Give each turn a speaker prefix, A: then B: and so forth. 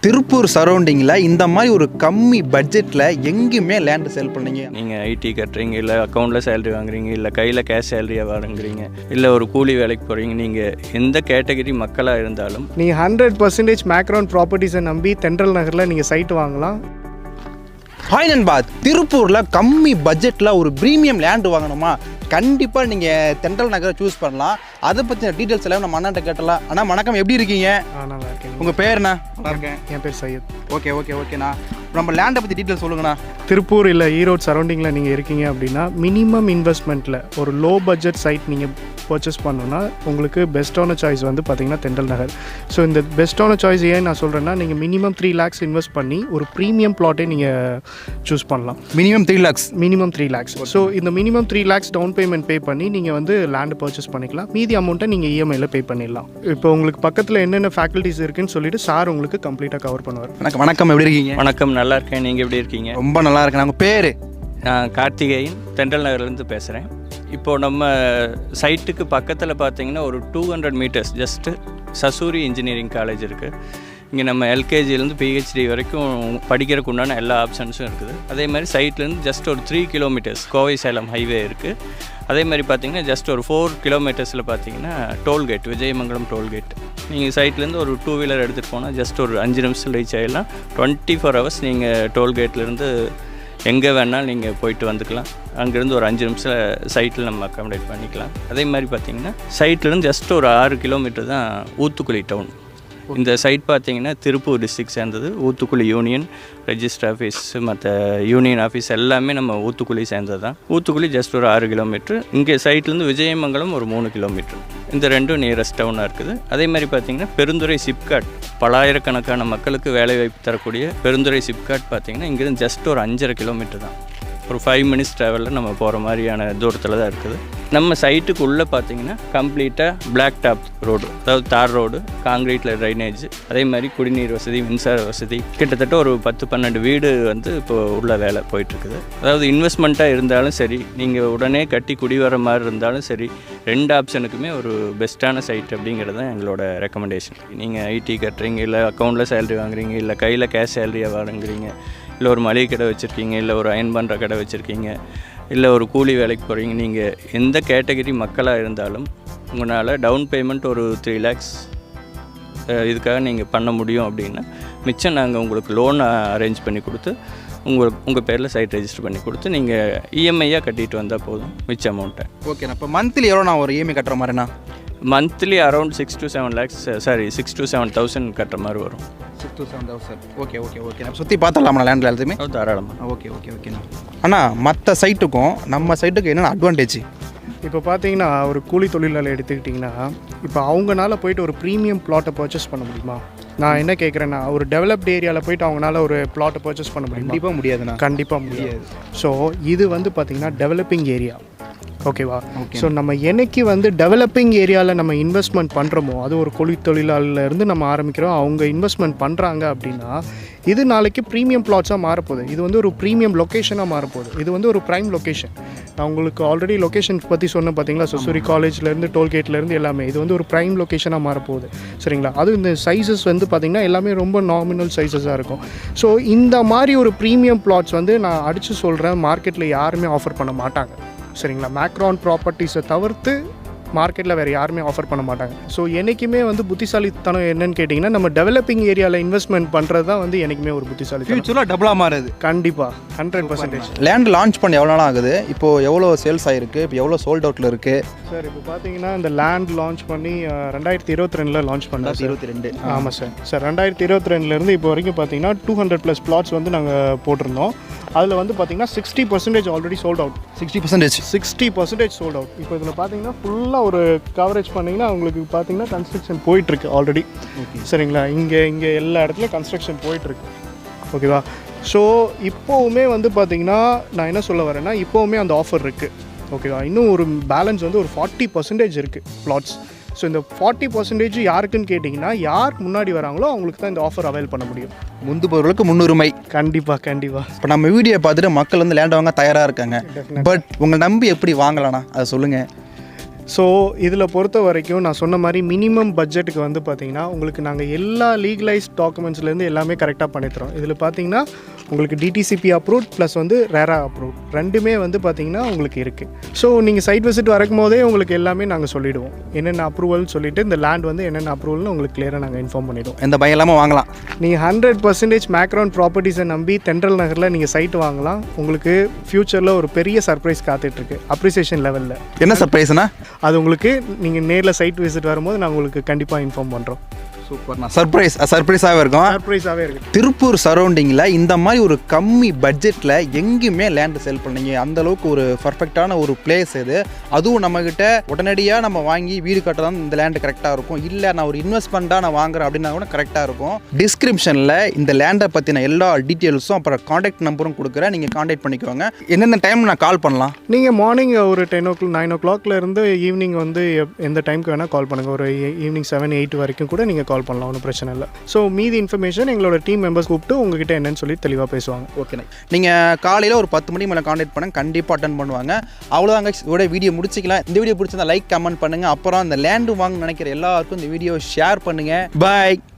A: திருப்பூர் சரௌண்டிங்கில் இந்த மாதிரி ஒரு கம்மி பட்ஜெட்டில் எங்கேயுமே லேண்டு சேல் பண்ணீங்க?
B: நீங்கள் ஐடி கட்டுறீங்க, இல்லை அக்கௌண்ட்டில் சேலரி வாங்குறீங்க, இல்லை கையில் கேஷ் சேலரியாக வாங்குறீங்க, இல்லை ஒரு கூலி வேலைக்கு போகிறீங்க, நீங்கள் எந்த கேட்டகரி மக்களாக இருந்தாலும்
C: நீங்கள் 100% மேக்ரான் ப்ராப்பர்ட்டிஸை நம்பி தென்றல் நகரில் நீங்கள் சைட் வாங்கலாம்.
A: ஹாய் நண்பா, திருப்பூரில் கம்மி பட்ஜெட்டில் ஒரு ப்ரீமியம் லேண்டு வாங்கணுமா? கண்டிப்பாக நீங்கள் தென்றல் நகரை சூஸ் பண்ணலாம். அதை பற்றின டீட்டெயில்ஸ் எல்லாம் நம்ம அண்ணாட்ட கேட்டலாம். அண்ணா வணக்கம், எப்படி இருக்கீங்க?
C: நல்லா இருக்கேன்.
A: உங்கள் பேருண்ணா? நல்லா இருக்கேன்.
C: என் பேர் சையத்.
A: ஓகேண்ணா. நம்ம லேண்டை பற்றி டீட்டெயில்ஸ் சொல்லுங்கண்ணா.
C: திருப்பூர் இல்லை ஈரோடு சரௌண்டிங்கில் நீங்கள் இருக்கீங்க அப்படின்னா மினிமம் இன்வெஸ்ட்மெண்ட்டில் ஒரு லோ பட்ஜெட் சைட் நீங்கள் பர்ச்சேஸ் பண்ணணுன்னா உங்களுக்கு பெஸ்ட்டான சாய்ஸ் வந்து பார்த்திங்கன்னா தென்றல் நகர். ஸோ இந்த பெஸ்ட்டான சாய்ஸ் ஏன் நான் சொல்கிறேன்னா, நீங்கள் மினிமம் 3 lakhs இன்வெஸ்ட் பண்ணி ஒரு ப்ரீமியம் ப்ளாட்டே நீங்கள் சூஸ் பண்ணலாம்.
A: Minimum 3 lakhs.
C: Minimum 3 lakhs. So இந்த minimum 3 lakhs down payment pay பண்ணி நீங்கள் வந்து லேண்டு பர்ச்சேஸ் பண்ணிக்கலாம். மீதி அமௌண்ட்டை நீங்கள் இஎம்ஐயில் பே பண்ணிடலாம். இப்போ உங்களுக்கு பக்கத்தில் என்னென்ன ஃபேக்கல்ட்டிஸ் இருக்குன்னு சொல்லிட்டு சார் உங்களுக்கு கம்ப்ளீட்டாக கவர் பண்ணுவார்.
A: வணக்கம், எப்படி இருக்கீங்க?
B: வணக்கம், நல்லா இருக்கேன். நீங்கள் எப்படி இருக்கீங்க?
A: ரொம்ப நல்லா இருக்கேன். உங்கள் பேர்?
B: நான் கார்த்திகேயன், தென்றல் நகர்லேருந்து பேசுகிறேன். இப்போது நம்ம சைட்டுக்கு பக்கத்தில் பார்த்தீங்கன்னா ஒரு 200 meters just Sasurie engineering college இருக்குது. இங்கே நம்ம எல்கேஜிலேருந்து பிஹெச்டி வரைக்கும் படிக்கிறதுக்கு உண்டான எல்லா ஆப்ஷன்ஸும் இருக்குது. அதே மாதிரி சைட்லேருந்து ஜஸ்ட் ஒரு 3 kilometers கோவை சேலம் ஹைவே இருக்குது. அதே மாதிரி பார்த்தீங்கன்னா ஜஸ்ட் ஒரு 4 kilometersல பார்த்தீங்கன்னா டோல்கேட், விஜயமங்கலம் டோல்கேட். நீங்கள் சைட்லேருந்து ஒரு 2 wheeler எடுத்துகிட்டு போனால் ஜஸ்ட் ஒரு 5 நிமிஷத்தில் ரீச் ஆகிடலாம். 24 hours நீங்கள் டோல்கேட்லேருந்து எங்கே வேணாலும் நீங்கள் போயிட்டு வந்துக்கலாம். அங்கேருந்து ஒரு 5 நிமிஷம் சைட்டில் நம்ம அக்காமடேட் பண்ணிக்கலாம். அதே மாதிரி பார்த்திங்கன்னா சைட்லேருந்து ஜஸ்ட் ஒரு 6 kilometer தான் ஊத்துக்குளி டவுன். இந்த சைட் பார்த்திங்கன்னா திருப்பூர் டிஸ்ட்ரிக்ட் சேர்ந்தது. ஊத்துக்குளி யூனியன் ரெஜிஸ்டர் ஆஃபீஸ், மற்ற யூனியன் ஆஃபீஸ் எல்லாமே நம்ம ஊத்துக்குளி சேர்ந்தது தான். ஊத்துக்குளி ஜஸ்ட் ஒரு 6 kilometer. இங்கே சைட்லேருந்து விஜயமங்கலம் ஒரு 3 kilometer. இந்த ரெண்டும் நியரஸ்ட் டவுனாக இருக்குது. அதே மாதிரி பார்த்திங்கன்னா பெருந்துறை சிப்காட், பலாயிரக்கணக்கான மக்களுக்கு வேலைவாய்ப்பு தரக்கூடிய பெருந்துறை சிப்காட் பார்த்திங்கன்னா இங்கேருந்து ஜஸ்ட் ஒரு 5.5 kilometer தான். ஒரு 5 minutes ட்ராவலில் நம்ம போகிற மாதிரியான தூரத்தில் தான் இருக்குது. நம்ம சைட்டுக்கு உள்ளே பார்த்தீங்கன்னா கம்ப்ளீட்டாக பிளாக் டாப் ரோடு, அதாவது தார் ரோடு, காங்கிரீட்டில் ட்ரைனேஜ், அதே மாதிரி குடிநீர் வசதி, மின்சார வசதி, கிட்டத்தட்ட ஒரு 10-12 வீடு வந்து இப்போ உள்ள வேலை போயிட்டுருக்குது. அதாவது இன்வெஸ்ட்மெண்ட்டாக இருந்தாலும் சரி, நீங்கள் உடனே கட்டி குடி வர மாதிரி இருந்தாலும் சரி, 2 ஆப்ஷனுக்குமே ஒரு பெஸ்ட்டான சைட் அப்படிங்கிறது தான் எங்களோட ரெக்கமெண்டேஷன். நீங்கள் ஐடி கட்டுறீங்க, இல்லை அக்கௌண்ட்டில் சேலரி வாங்குறீங்க, இல்லை கையில் கேஷ் சேலரியாக வாங்குறீங்க, இல்லை ஒரு மளிகை கடை வச்சுருக்கீங்க, இல்லை ஒரு அயன் பண்ணுற கடை வச்சுருக்கீங்க, இல்லை ஒரு கூலி வேலைக்கு போகிறீங்க, நீங்கள் எந்த கேட்டகரி மக்களாக இருந்தாலும் உங்களால் டவுன் பேமெண்ட் ஒரு 3 lakhs இதுக்காக நீங்கள் பண்ண முடியும் அப்படின்னா மிச்சம் நாங்கள் உங்களுக்கு லோன் அரேஞ்ச் பண்ணி கொடுத்து உங்கள் பேரில் சைட் ரெஜிஸ்டர் பண்ணி கொடுத்து நீங்கள் இஎம்ஐயாக கட்டிட்டு வந்தால் போதும் மிச்ச அமௌண்ட்டை.
A: ஓகேண்ணா. இப்போ மந்த்லி எவ்வளோ நான் ஒரு இஎம்ஐ கட்டுற மாதிரிண்ணா?
B: Monthly around 6 to 7 lakhs, 6 to 7,000 கட்டுற மாதிரி வரும்.
A: 6 to 7,000. ஓகேண்ணா. சுற்றி பார்த்துடலாமா லேண்டில் எல்லாத்தையுமே?
B: தாராளமாக.
A: ஓகேண்ணா. அண்ணா, மற்ற சைட்டுக்கும் நம்ம சைட்டுக்கு என்னென்ன அட்வான்டேஜ்?
C: இப்போ பார்த்தீங்கன்னா ஒரு கூலி தொழிலாளி எடுத்துக்கிட்டிங்கன்னா, இப்போ அவங்களால போயிட்டு ஒரு ப்ரீமியம் ப்ளாட்டை பர்ச்சேஸ் பண்ண முடியுமா? நான் என்ன கேட்குறேன்னா, ஒரு டெவலப்டு ஏரியாவில் போயிட்டு அவங்களால ஒரு ப்ளாட்டை பர்ச்சேஸ் பண்ண முடியுமா?
A: கண்டிப்பாக முடியாதுண்ணா.
C: கண்டிப்பாக முடியாது. ஸோ இது வந்து பார்த்திங்கன்னா டெவலப்பிங் ஏரியா, ஓகேவா? ஸோ நம்ம என்னைக்கு வந்து டெவலப்பிங் ஏரியாவில் நம்ம இன்வெஸ்ட்மெண்ட் பண்ணுறோமோ, அது ஒரு கூலி தொழிலாளர்லேருந்து நம்ம ஆரம்பிக்கிறோம், அவங்க இன்வெஸ்ட்மெண்ட் பண்ணுறாங்க அப்படின்னா இது நாளைக்கு ப்ரீமியம் ப்ளாட்ஸாக மாறப்போகுது. இது வந்து ஒரு ப்ரீமியம் லொக்கேஷனாக மாறப்போகுது. இது வந்து ஒரு ப்ரைம் லொக்கேஷன். நான் உங்களுக்கு ஆல்ரெடி லொக்கேஷன் பற்றி சொன்னேன் பார்த்தீங்களா, சசூரி காலேஜ்லேருந்து டோல்கேட்லேருந்து எல்லாமே. இது வந்து ஒரு ப்ரைம் லொக்கேஷனாக மாறப்போகுது, சரிங்களா? அதுவும் இந்த சைஸஸ் வந்து பார்த்திங்கன்னா எல்லாமே ரொம்ப நாமினல் சைஸஸாக இருக்கும். ஸோ இந்த மாதிரி ஒரு ப்ரீமியம் ப்ளாட்ஸ் வந்து நான் அடித்து சொல்கிறேன், மார்க்கெட்டில் யாருமே ஆஃபர் பண்ண மாட்டாங்க, சரிங்களா? மேக்ரான் ப்ராப்பர்ட்டிஸை தவிர்த்து மார்க்கெட்டில் வேறு யாருமே ஆஃபர் பண்ண மாட்டாங்க. ஸோ என்றைக்குமே வந்து புத்திசாலித்தனம் என்னன்னு கேட்டிங்கன்னா, நம்ம டெவலப்பிங் ஏரியாவில் இன்வெஸ்ட்மெண்ட் பண்ணுறது தான் வந்து என்றைக்குமே ஒரு புத்திசாலித்தனம்.
A: ஃபியூச்சரில் டபுளாக மாறுது.
C: கண்டிப்பாக 100%.
A: லேண்ட் லான்ச் பண்ணி எவ்வளோ நாள் ஆகுது? இப்போது எவ்வளோ சேல்ஸ் ஆகிருக்கு? இப்போ எவ்வளோ சோல்ட் அவுட்டில் இருக்குது?
C: சார் இப்போ பார்த்தீங்கன்னா இந்த லேண்ட் லான்ச் பண்ணி 2022 லான்ச் பண்ணோம்.
A: 2022.
C: ஆமாம் சார் 2022 இப்போ வரைக்கும் பார்த்தீங்கன்னா 200+ plots வந்து நாங்கள் போட்டிருந்தோம். அதில் வந்து பார்த்தீங்கன்னா 60% already sold out. 60% sold out. இப்போ இதில் பார்த்தீங்கன்னா ஃபுல்லாக ஒரு கவரேஜ் பண்ணிங்கன்னா உங்களுக்கு பார்த்தீங்கன்னா கன்ஸ்ட்ரக்ஷன் போயிட்டுருக்கு ஆல்ரெடி, சரிங்களா? இங்கே எல்லா இடத்துலையும் கன்ஸ்ட்ரக்ஷன் போயிட்டுருக்கு, ஓகேவா? ஸோ இப்போவுமே வந்து பார்த்தீங்கன்னா நான் என்ன சொல்ல வரேன்னா, இப்போவுமே அந்த ஆஃபர் இருக்குது, ஓகேவா? இன்னும் ஒரு பேலன்ஸ் வந்து ஒரு 40% இருக்குது ப்ளாட்ஸ். ஸோ இந்த 40% யாருக்குன்னு கேட்டிங்கன்னா, யார் முன்னாடி வராங்களோ அவங்களுக்கு தான் இந்த ஆஃபர் அவைல் பண்ண முடியும்.
A: முந்து பொருளுக்கு முன்னுரிமை.
C: கண்டிப்பாக.
A: இப்போ நம்ம வீடியோ பார்த்துட்டு மக்கள் வந்து லேண்ட் வாங்க தயாராக இருக்காங்க. பட் உங்களை நம்பி எப்படி வாங்கலாம்ண்ணா, அதை சொல்லுங்கள்.
C: ஸோ இதில் பொறுத்த வரைக்கும் நான் சொன்ன மாதிரி மினிமம் பட்ஜெட்டுக்கு வந்து பார்த்தீங்கன்னா உங்களுக்கு நாங்கள் எல்லா லீகலைஸ்ட் டாக்குமெண்ட்ஸ்லேருந்து எல்லாமே கரெக்டாக பண்ணித்தரோம். இதில் பார்த்தீங்கன்னா உங்களுக்கு டிடிசிபி அப்ரூவ்ட் ப்ளஸ் வந்து ரேரா அப்ரூவ்ட் ரெண்டுமே வந்து பார்த்தீங்கன்னா உங்களுக்கு இருக்குது. ஸோ நீங்கள் சைட் விசிட் வரக்கும் போதே உங்களுக்கு எல்லாமே நாங்கள் சொல்லிவிடுவோம், என்னென்ன அப்ரூவல் சொல்லிவிட்டு இந்த லேண்ட் வந்து என்னென்ன அப்ரூவல்னு உங்களுக்கு கிளியராக நாங்கள் இன்ஃபார்ம் பண்ணிவிடுவோம்.
A: எந்த பயம் இல்லாமல் வாங்கலாம்.
C: நீங்கள் 100% மேக்ரோன் ப்ராப்பர்ட்டிஸை நம்பி தென்றல் நகரில் நீங்கள் சைட் வாங்கலாம். உங்களுக்கு ஃப்யூச்சரில் ஒரு பெரிய சர்ப்ரைஸ் காத்துட்ருக்கு அப்ரிசியேஷன் லெவலில்.
A: என்ன சர்ப்ரைஸ்னா
C: அது உங்களுக்கு நீங்கள் நேரில் சைட் விசிட் வரும்போது நான் உங்களுக்கு கண்டிப்பாக இன்ஃபார்ம் பண்ணுறோம்.
A: சூப்பர்ண்ணா. சர்ப்ரைஸாகவே இருக்கும்.
C: சர்ப்ரைஸாகவே இருக்குது.
A: திருப்பூர் சரௌண்டிங்கில் இந்த மாதிரி ஒரு கம்மி பட்ஜெட்டில் எங்கேயுமே லேண்டு செல் பண்ணீங்க, அந்த அளவுக்கு ஒரு பர்ஃபெக்டான ஒரு பிளேஸ் இது. அதுவும் நம்மக்கிட்ட உடனடியாக நம்ம வாங்கி வீடு கட்டலாம் இந்த லேண்டு கரெக்டாக இருக்கும். இல்லை நான் ஒரு இன்வெஸ்ட்மெண்ட்டாக நான் வாங்குறேன் அப்படின்னா கூட கரெக்டாக இருக்கும். டிஸ்கிரிப்ஷனில் இந்த லேண்டை பற்றின எல்லா டீட்டெயில்ஸும் அப்புறம் காண்டாக்ட் நம்பரும் கொடுக்குறேன், நீங்கள் காண்டாக்ட் பண்ணிக்கோங்க. என்னென்ன டைம் நான் கால் பண்ணலாம்?
C: நீங்கள் மார்னிங் ஒரு 9 o'clock இருந்து ஈவினிங் வந்து எந்த டைமுக்கு வேணால் கால் பண்ணுங்கள். ஒரு ஈவினிங் 7-8 வரைக்கும் கூட நீங்கள் கால் பண்ணலாம், ஒன்றும் பிரச்சனை இல்லை. ஸோ மீதி இன்ஃபர்மேஷன் எங்களோட டீம் மெம்பர்ஸ் கூப்பிட்டு உங்ககிட்ட என்னன்னு சொல்லி தெளிவாக பேசுவாங்க.
A: ஓகேண்ணே. நீங்கள் காலையில் ஒரு 10 மணி மேலே காண்டாக்ட் பண்ணுங்க, கண்டிப்பாக அட்டன் பண்ணுவாங்க. அவ்வளோதாங்க, இதோட வீடியோ முடிச்சிக்கலாம். இந்த வீடியோ பிடிச்சிருந்தா லைக் கமெண்ட் பண்ணுங்கள். அப்புறம் இந்த லேண்டு வாங்க நினைக்கிற எல்லாருக்கும் இந்த வீடியோ ஷேர் பண்ணுங்கள். பாய்.